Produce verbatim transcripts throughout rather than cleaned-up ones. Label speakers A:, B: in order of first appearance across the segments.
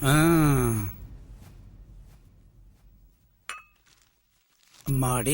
A: அம்மாடி.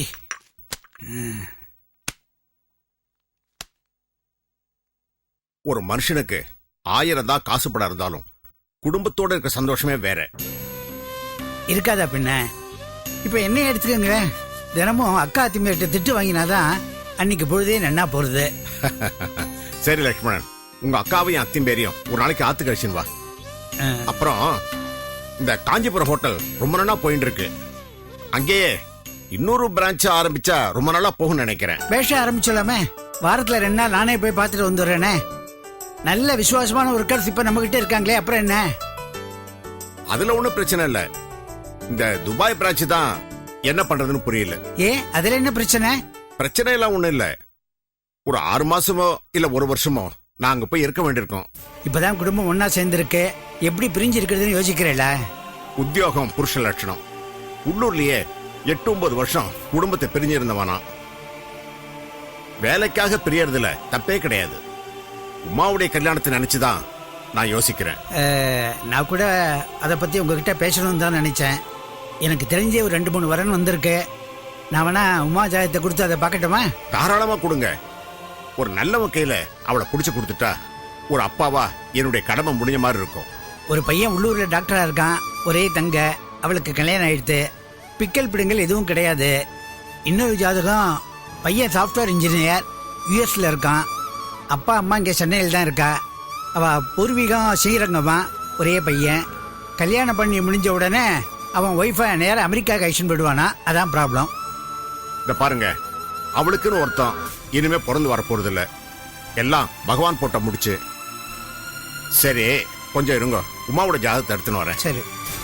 B: ஒரு மனுஷனுக்கு ஆயிரம் தான் காசு படம் இருந்தாலும் குடும்பத்தோட இருக்க சந்தோஷமே வேற
A: இருக்காதா பின்ன? இப்ப என்ன எடுத்துக்கங்க, தினமும் அக்கா திமிட்ட திட்டு வாங்கினாதான் அன்னைக்கு பொழுதே நன்னா போறது.
B: சரி லட்சுமணன், உங்க அக்காவையும் அத்தையும் பேரையும் ஒரு நாளைக்கு ஆத்து கழிச்சுன்னு வா. அப்புறம் இந்த காஞ்சிபுரம் ஹோட்டல் ரொம்ப நாளா போயிட்டு இருக்கு, அங்கேயே இன்னொரு பிரான்ச் ஆரம்பிச்சா ரொம்ப நாளா போகும் நினைக்கிறேன்.
A: பேச ஆரம்பிச்சலாமே, வாரத்துல ரெண்டு நாள் நானே போய் பார்த்துட்டு வந்துடுறேனே. நல்ல விசுவாசமான ஒரு கருத்து இப்ப நம்ம கிட்ட இருக்காங்களே, அப்புறம் என்ன?
B: அதுல ஒண்ணும் பிரச்சனை இல்ல. இந்த துபாய் பிரான்ச் தான் என்ன பண்றதுன்னு புரியல.
A: ஏன், அதுல என்ன பிரச்சனை?
B: பிரச்சனை எல்லாம் ஒண்ணும் இல்ல. ஒரு ஆறு மாசமோ இல்ல ஒரு வருஷமோ நாங்க போய் இருக்க வேண்டியிருக்கோம்.
A: இப்பதான் குடும்பம் ஒன்னா சேர்ந்திருக்கு, எப்படி பிரிஞ்சு இருக்கிறதுன்னு யோசிக்கிறேல.
B: உத்தியோகம் புருஷ லட்சணம். உள்ளூர்லயே எட்டு ஒன்பது வருஷம் குடும்பத்தை பிரிஞ்சிருந்தவனா. வேலைக்காக பிரியறதுல தப்பே கிடையாது. உமாவுடைய கல்யாணத்தை நினைச்சுதான் நான் யோசிக்கிறேன்.
A: நான் கூட அதை பத்தி உங்ககிட்ட பேசணும்னு தான் நினைச்சேன். எனக்கு தெரிஞ்ச ஒரு ரெண்டு மூணு வரன் வந்திருக்கு. நான் வேணா உமா ஜாயத்தை கொடுத்து அதை பார்க்கட்டுமா?
B: தாராளமா கொடுங்க. ஒரு நல்ல கையில அவளை புடிச்சு கொடுத்துட்டா ஒரு அப்பாவா என்னுடைய கடமை முடிஞ்ச மாதிரி இருக்கும்.
A: ஒரு பையன் உள்ளூர்ல டாக்டரா இருக்கான், ஒரே தங்க, அவளுக்கு கல்யாணம் ஆயிடுத்து. பிக்கல் பிடுங்கல் எதுவும் கிடையாது. இன்னொரு ஜாதகம், பையன் சாஃப்ட்வேர் இன்ஜினியர், யூஎஸ்ல இருக்கான். அப்பா அம்மா இங்கே சென்னையில் தான் இருக்கா. அவ பூர்வீகம் ஸ்ரீரங்கமா, ஒரே பையன். கல்யாணம் பண்ணி முடிஞ்ச உடனே அவன் ஒய்ஃபை நேரம் அமெரிக்கா கைஷன் போயிடுவானா, அதான் ப்ராப்ளம்.
B: இந்த பாருங்க, அவளுக்குன்னு ஒருத்தன் இனிமே பிறந்து வரப்போறது இல்ல, எல்லாம் பகவான் போட்ட முடிச்சு. சரி, கொஞ்சம் இருங்க, உமாவோட ஜாதகத்தை எடுத்துன்னு வரேன்.
A: சரி.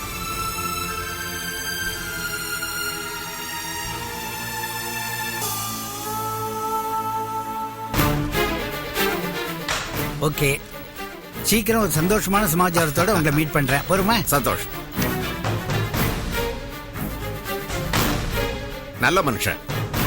A: ஓகே, சீக்கிரம் ஒரு சந்தோஷமான சமாச்சாரத்தோட உங்களை மீட் பண்றேன். பொறுமா?
B: சந்தோஷம். நல்ல மனுஷன்.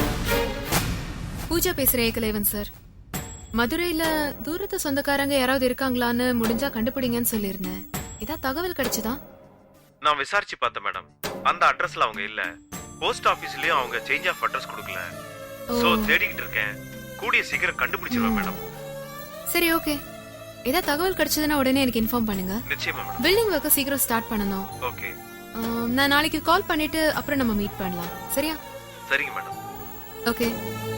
C: பூஜா பேசுறேன் ஏகலைவன் சார். மதுரையில தூரத்து சொந்தக்காரங்க யாராவது இருக்காங்களான்னு முடிஞ்சா கண்டுபிடிங்கன்னு சொல்லியிருந்தேன். ஏதாவது தகவல் கிடைச்சதா?
D: நான் விசாரிச்சு பார்த்தேன் மேடம், அந்த அட்ரஸ்ல அவங்க இல்ல. போஸ்ட் ஆபீஸ்லயும் அவங்க சேஞ்ச் ஆஃப் அட்ரஸ் கொடுக்கல. சோ தேடிக்கிட்டு இருக்கேன். கூடிய சீக்கிரம் கண்டுபிடிச்சிருவேன் மேடம்.
C: சரி, ஓகே. ஏதாவது தகவல் கிடைச்சதுன்னா உடனே எனக்கு இன்ஃபார்ம் பண்ணுங்க.
D: நிச்சயமா மேடம்.
C: பில்டிங் ஒர்க்க சீக்கிரம் ஸ்டார்ட் பண்ணனும்.
D: ஓகே.
C: நான் நாளைக்கு கால் பண்ணிட்டு அப்புறம் நம்ம மீட் பண்ணலாம். சரியா?
D: சரிங்க மேடம்.
C: ஓகே.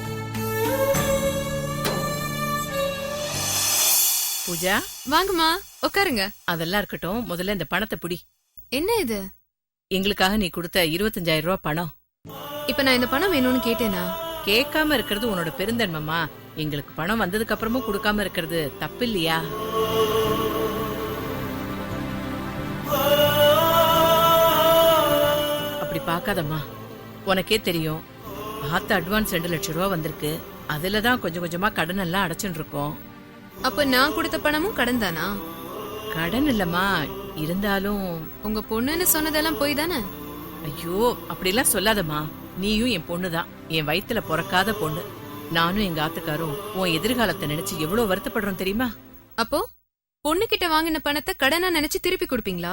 E: பூஜா,
C: வாங்கம்மா, உட்காருங்க.
E: அதெல்லாம் இருக்கட்டும், முதல்ல இந்த பணத்தை புடி.
C: என்ன இது?
E: எங்களுக்காக நீ கொடுத்த இருபத்தஞ்சாயிரம் ரூபாய் பணம்.
C: இப்ப நான் இந்த பணம் வேணும்னு கேட்டேனா?
E: கேட்காம இருக்கிறது உன்னோட பெருந்தன்மமா. எங்களுக்கு பணம் வந்ததுக்கு அப்புறமும் கொடுக்காம இருக்கிறது தப்பு இல்லையா? அப்படி பாக்காதம்மா, உனக்கே தெரியும், ஆத்த அட்வான்ஸ் ரெண்டு லட்சம் ரூபா வந்திருக்கு. அதுலதான் கொஞ்சம் கொஞ்சமா கடன் எல்லாம் அடைச்சுட்டு இருக்கோம்.
C: அப்ப நான் கொடுத்த பணமும் கடன் தானா?
E: கடன் இல்லம்மா, இருந்தாலும்
C: உங்க பொண்ணுன்னு சொன்னதெல்லாம் போய் தானே?
E: ஐயோ, அப்படிலாம் சொல்லாதம்மா. நீயும் என் பொண்ணுதான், என் வயித்துல பிறக்காத பொண்ணு. நானும் எங்க ஆத்துக்காரும் உன் எதிர்காலத்தை நினைச்சு எவ்வளவு வருத்தப்படுறோம் தெரியுமா?
C: அப்போ பொண்ணு கிட்ட வாங்கின பணத்தை கடனா நினைச்சு திருப்பி கொடுப்பீங்களா?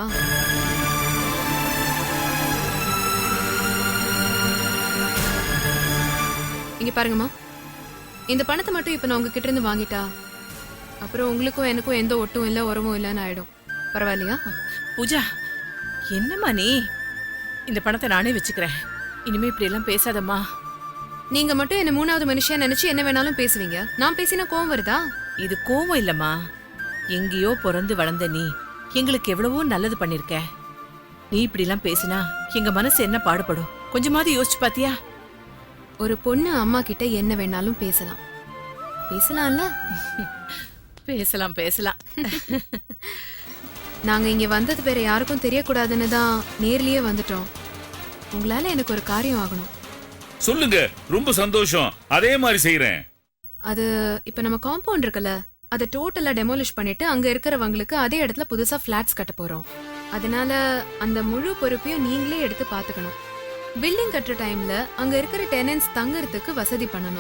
C: இங்க பாருங்கம்மா, இந்த பணத்தை மட்டும் இப்ப நான் உங்ககிட்ட இருந்து வாங்கிட்டா அப்புறம் உங்களுக்கும் எனக்கும் எந்த ஒட்டும் இல்ல உறவும் இல்லன்னு ஆயிடும். பரவாயில்லையா?
E: பூஜா, என்னம்மா நீ? இந்த பணத்தை நானே வச்சுக்கிறேன். இனிமே இப்படி எல்லாம் பேசாதம்மா.
C: நீங்க மட்டும் என்ன மூணாவது மனுஷன் நினைச்சு என்ன வேணாலும் பேசுவீங்க. நான் பேசினா கோவம் வருதா?
E: இது கோவம் இல்லம்மா. எங்கேயோ பிறந்து வளர்ந்த நீ எங்களுக்கு எவ்வளவோ நல்லது பண்ணிருக்க. நீ இப்படி எல்லாம் பேசினா எங்க மனசு என்ன பாடுபடும்? கொஞ்சமாவது யோசிச்சு பாத்தியா?
C: ஒரு பொண்ணு அம்மா கிட்ட என்ன வேணாலும் பேசலாம். பேசலாம்ல?
E: பேசலாம் பேசலாம்.
C: நாங்க இங்க வந்தது வேற யாருக்கும் தெரியக்கூடாதுன்னு தான் நேர்லயே வந்துட்டோம். உங்களால எனக்கு ஒரு காரியம் ஆகணும்.
F: சொல்லுங்க, ரொம்ப சந்தோஷம். அதே மாதிரி செய்யறேன்.
C: அது இப்ப நம்ம காம்பவுண்ட் இருக்குல்ல, அதை டோட்டலா டெமோலிஷ் பண்ணிட்டு அங்க இருக்கிறவங்களுக்கு அதே இடத்துல புதுசா பிளாட்ஸ் கட்ட போறோம். அதனால அந்த முழு பொறுப்பையும் நீங்களே எடுத்து பாத்துக்கணும். பில்டிங் கட்டுற டைம்ல அங்க இருக்கிற டெனன்ட்ஸ் தங்கறதுக்கு வசதி பண்ணணும்.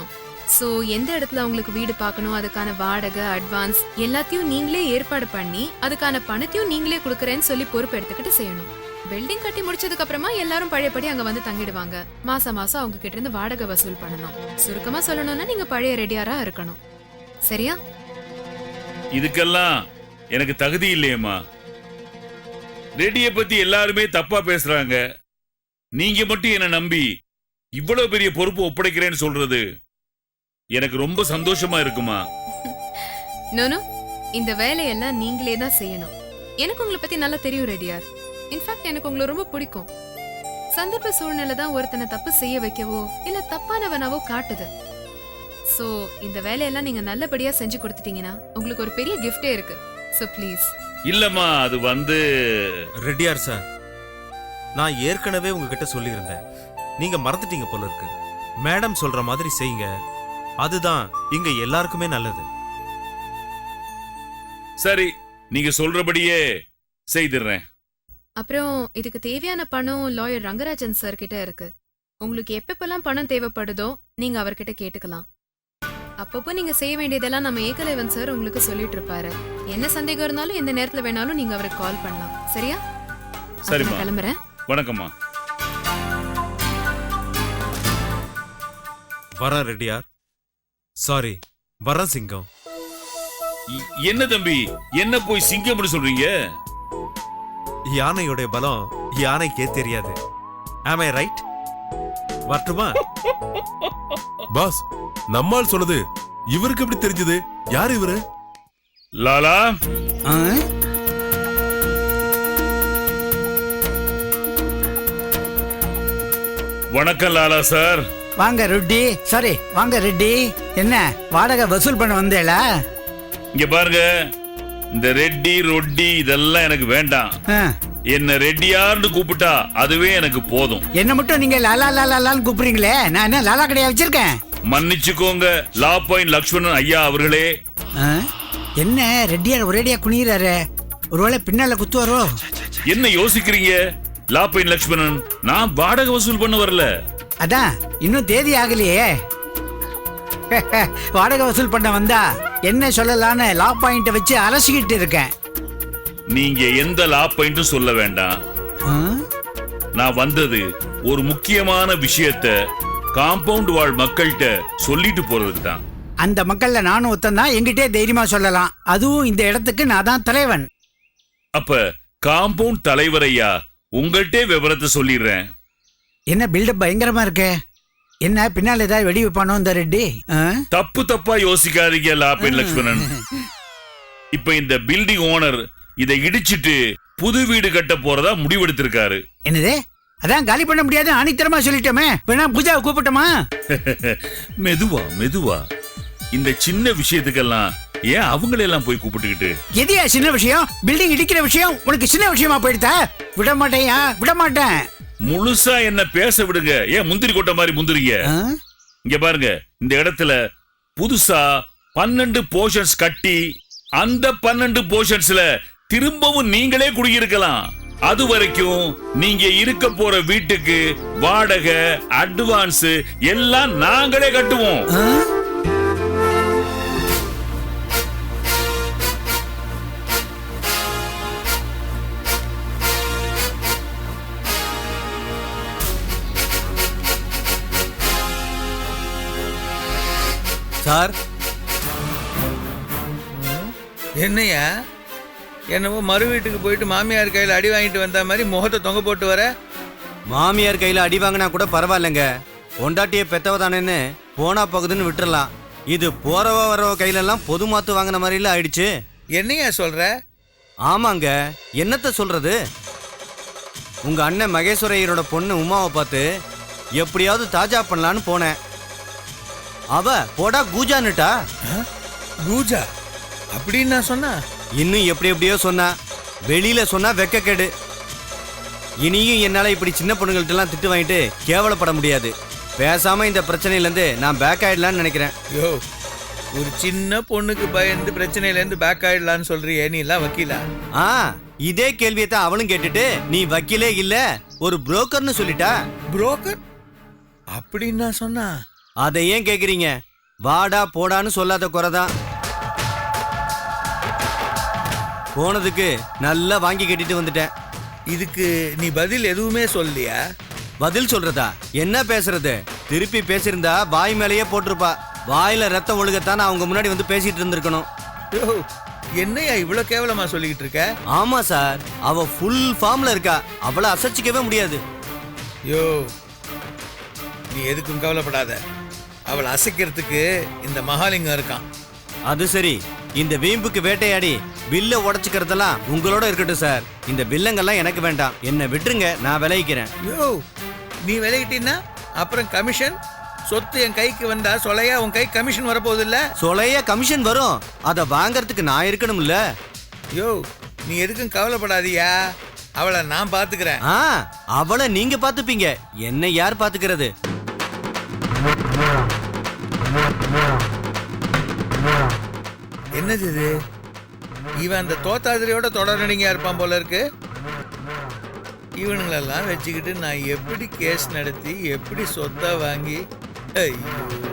C: சோ எந்த இடத்துல அவங்களுக்கு வீடு பார்க்கணும், அதுக்கான வாடகை, அட்வான்ஸ் எல்லாத்தையும் நீங்களே ஏற்பாடு பண்ணி அதுக்கான பணத்தையும் நீங்களே கொடுக்கறேன்னு சொல்லி பொறுப்பு எடுத்துக்கிட்டு செய்யணும். பில்டிங் கட்டி முடிச்சதுக்கு அப்புறமா எல்லாரும் பழையபடி அங்க வந்து தங்கிடுவாங்க. மாசம் மாசம் அவங்க கிட்ட இருந்து வாடகை வசூல் பண்ணணும். சுருக்கமா சொல்லணும்னா நீங்க பழைய ரெடியாரா இருக்கணும். சரியா?
F: இதுக்கெல்லாம் எனக்கு தகுதி இல்லையேம்மா. ரெடியை பத்தி எல்லாருமே தப்பா பேசுறாங்க. நீங்க மட்டும் என்ன நம்பி இவ்வளவு பெரிய பொறுப்பு ஒப்படைக்கிறேன்னு சொல்றது எனக்கு ரொம்ப சந்தோஷமா இருக்குமா.
C: நோனோ, இந்த வேலையெல்லாம் நீங்களே தான் செய்யணும். எனக்கு உங்களை பத்தி நல்லா தெரியும் ரெடியார். இன்ஃபேக்ட் எனக்கு உங்களை ரொம்ப பிடிக்கும். சந்தர்ப்ப சூழ்நிலை தான் ஒருத்தனை தப்பு செய்ய வைக்கவோ இல்ல தப்பானவனாவோ காட்டுது. சோ இந்த வேலையெல்லாம் நீங்க நல்லபடியா செஞ்சு கொடுத்துட்டீங்கன்னா உங்களுக்கு ஒரு பெரிய கிஃப்டே இருக்கு. So please.
F: இல்லம்மா, அது வந்து
G: ரெட்டியார் சார், நான் ஏற்கனவே உங்ககிட்ட சொல்லியிருந்தேன். நீங்க மறந்துட்டீங்க போல இருக்கு. மேடம் சொல்ற மாதிரி செய்யுங்க, அதுதான் இங்க எல்லாருக்குமே நல்லது.
F: சரி, நீங்க சொல்றபடியே செய்திடுறேன்.
C: அப்புறம் இதுக்கு தேவையான பணம் லாயர் ரங்கராஜன் சார் கிட்ட இருக்கு. உங்களுக்கு எப்பப்பெல்லாம் பணம் தேவைப்படுதோ நீங்க அவர்கிட்ட கேட்டுக்கலாம். அப்பப்போ நீங்க செய்ய வேண்டியதெல்லாம் நம்ம ஏகலைவன் சார் உங்களுக்கு சொல்லிட்டு இருப்பாரு. என்ன சந்தேகம் இருந்தாலும் எந்த நேரத்துல வேணாலும் நீங்க அவருக்கு கால் பண்ணலாம். சரியா?
F: சரிம்மா.
C: நான் கிளம்புறேன்.
F: வணக்கம்மா.
G: வரேன் ரெட்டியார். சாரி, வரேன் சிங்கம்.
F: இ- என்ன தம்பி, என்ன போய் சிங்கம்னு சொல்றீங்க?
G: யானையோட பலம் யானைக்கே தெரியாது. Am I right? வரட்டுமா?
H: பாஸ், நம்மால் சொன்னது இவருக்கு எப்படி தெரிஞ்சது? யார் இவரு?
F: லாலா,
A: ஆ?
F: வணக்கம் லாலா சார்.
A: வாங்க ரெட்டி. சாரி, வாங்க ரெட்டி. என்ன வாடகை வசூல் பண்ண வந்தேளா?
F: இங்க பாருங்க, இந்த ரெட்டி ரொட்டி இதெல்லாம் எனக்கு வேண்டாம்.
A: ஆ.
F: என்ன ரெட்டியார்னு கூப்பிட்டா அதுவே எனக்கு போதும்.
A: என்ன மட்டும் நீங்க லாலா லாலா லான்னு கூப்பிடுறீங்களே, நான் என்ன லாலா கடையா வச்சிருக்கேன்?
F: மன்னிச்சுக்கோங்க லா பாயிண்ட் லக்ஷ்மணன் ஐயா அவர்களே.
A: ஆ? என்ன ரெட்டியார் ஒரேடியா குனிறாரு? ஒருவேளை பின்னால குத்துவாரோ?
F: என்ன யோசிக்கிறீங்க லா பாயிண்ட் லக்ஷ்மணன்? நான் வாடகை வசூல் பண்ண வரல.
A: அதான் இன்னும் தேதி ஆகலையே. வாடகை வசூல் பண்ண வந்தா என்ன சொல்லலான்னு லா பாயிண்ட வச்சு அலசிக்கிட்டு இருக்கேன்.
F: நீங்க எந்த லா பாயிண்ட்டும் சொல்ல வேண்டாம்.
A: ஆ?
F: நான் வந்தது ஒரு முக்கியமான விஷயத்த காம்பவுண்ட் வாழ் மக்கள்கிட்ட சொல்லிட்டு போறதுக்கு தான்.
A: அந்த மக்கள்ல நானும் ஒத்தந்தான், எங்கிட்டே தைரியமா சொல்லலாம். அதுவும் இந்த இடத்துக்கு நான் தான் தலைவன்.
F: அப்ப காம்பவுண்ட் தலைவர் ஐயா உங்கள்கிட்ட விவரத்தை சொல்லிடுறேன்.
A: என்ன பில்டப் பயங்கரமா இருக்கு. என்ன பின்னால ஏதாவது வெடி வைப்பானோ இந்த ரெட்டி? ஆ?
F: தப்பு தப்பா யோசிக்காதீங்க லா பாயிண்ட் லக்ஷ்மணன். இப்ப இந்த பில்டிங் ஓனர் இதை இடிச்சிட்டு புது வீடு கட்ட போறதா முடிவெடுத்திருக்காரு.
A: என்னது? அதான் காலி பண்ண முடியாது ஆணித்தரமா சொல்லிட்டோமே. வேணா பூஜாவை கூப்பிட்டோமா?
F: மெதுவா மெதுவா. இந்த சின்ன விஷயத்துக்கெல்லாம் ஏன் அவங்களெல்லாம் போய் கூப்பிட்டுக்கிட்டு?
A: எதையா சின்ன விஷயம்? பில்டிங் இடிக்கிற விஷயம் உனக்கு சின்ன விஷயமா போயிடுதா? விட மாட்டேயா? விட மாட்டேன்.
F: முழுசா என்ன பேச விடுங்க. ஏன் முந்திரி கொட்ட மாதிரி முந்திரிங்க?
A: ஆ?
F: இங்க பாருங்க, இந்த இடத்துல புதுசா பன்னெண்டு போர்ஷன்ஸ் கட்டி அந்த பன்னெண்டு போர்ஷன்ஸ்ல திரும்பவும் நீங்களே குடியிருக்கலாம். அது வரைக்கும் நீங்க இருக்க போற வீட்டுக்கு வாடகை, அட்வான்ஸ் எல்லாம் நாங்களே கட்டுவோம்.
A: ஆ?
G: சார்,
I: என்னையா என்னவோ மறு வீட்டுக்கு போயிட்டு மாமியார் கையில் அடி வாங்கிட்டு வந்த மாதிரி முகத்தை தொங்க போட்டு வர?
J: மாமியார் கையில அடி வாங்கினா கூட பரவாயில்லைங்க, பொண்டாட்டிய பெத்தவதானேன்னு போனா போகுதுன்னு விட்டுறலாம். இது போறவ வரவ கையில எல்லாம் பொது மாத்து வாங்கின மாதிரில ஆயிடுச்சு.
I: என்னையா சொல்ற?
J: ஆமாங்க, என்னத்த சொல்றது. உங்க அண்ணன் மகேஸ்வரையரோட பொண்ணு உமாவை பார்த்து எப்படியாவது தாஜா பண்ணலான்னு போனேன். அவ போடா கூஜான்னுட்டா.
I: கூஜா அப்படின்னு நான் சொன்னா?
J: இன்னும் எப்படி எப்படியோ சொன்னா. வெளியில சொன்னா வெக்கக்கேடு. இனியும் என்னால இப்படி சின்ன பொண்ணுங்கள்ட்ட எல்லாம் திட்டு வாங்கிட்டு கேவலப்பட முடியாது. பேசாம இந்த பிரச்சனையில இருந்து நான் பேக் ஆயிடலான்னு நினைக்கிறேன்.
I: யோ, ஒரு சின்ன பொண்ணுக்கு பயந்து பிரச்சனையில இருந்து பேக் ஆயிடலான்னு சொல்றியே, நீ எல்லாம் வக்கீலா?
J: ஆ, இதே கேள்வியை தான் அவளும் கேட்டுட்டு நீ வக்கீலே இல்ல ஒரு புரோக்கர்னு சொல்லிட்டா.
I: புரோக்கர் அப்படின்னு நான் சொன்னா?
J: அதை ஏன் கேக்குறீங்க? வாடா போடான்னு சொல்லாத குறைதான். போனதுக்கு நல்லா வாங்கி கட்டிட்டு வந்துட்டேன்.
I: இதுக்கு நீ பதில் எதுவுமே சொல்லலையா?
J: பதில் சொல்றதா? என்ன பேசுறது? திருப்பி பேசியிருந்தா வாய் மேலேயே போட்டிருப்பா. வாயில ரத்தம் ஒழுகத்தான் நான் அவங்க முன்னாடி வந்து பேசிட்டு இருந்திருக்கணும்.
I: யோ, என்னையா இவ்வளவு கேவலமா சொல்லிக்கிட்டு இருக்க?
J: ஆமா சார், அவ ஃபுல் ஃபார்ம்ல இருக்கா. அவளை அசைச்சிக்கவே முடியாது.
I: யோ, நீ எதுக்கும் கவலைப்படாத. அவளை அசைக்கிறதுக்கு இந்த மகாலிங்கம் இருக்கான்.
J: அது சரி, இந்த வீம்புக்கு வேட்டையாடி பில்ல உடைச்சுக்கிறதெல்லாம் உங்களோட இருக்கட்டும் சார். இந்த பில்லங்கெல்லாம் எனக்கு வேண்டாம். என்னை விட்டுருங்க, நான் விளைவிக்கிறேன்.
I: யோ, நீ விலகிட்டீன்னா அப்புறம் கமிஷன் சொத்து என் கைக்கு வந்தா சொலையா உன் கை கமிஷன் வரப்போகுது இல்ல?
J: சொலைய கமிஷன் வரும். அதை வாங்கறதுக்கு நான் இருக்கணும்ல.
I: யோ, நீ எதுக்கும் கவலைப்படாதியா. அவளை நான் பாத்துக்கிறேன்.
J: ஆ, அவளை நீங்க பாத்துப்பீங்க, என்னை யார் பாத்துக்கிறது?
I: என்னது இது? இவன் அந்த தோத்தாதிரியோட தொடரணிங்க இருப்பான் போல இருக்கு. இவனுங்களெல்லாம் வச்சுக்கிட்டு நான் எப்படி கேஸ் நடத்தி எப்படி சொத்தை வாங்கி ஐயோ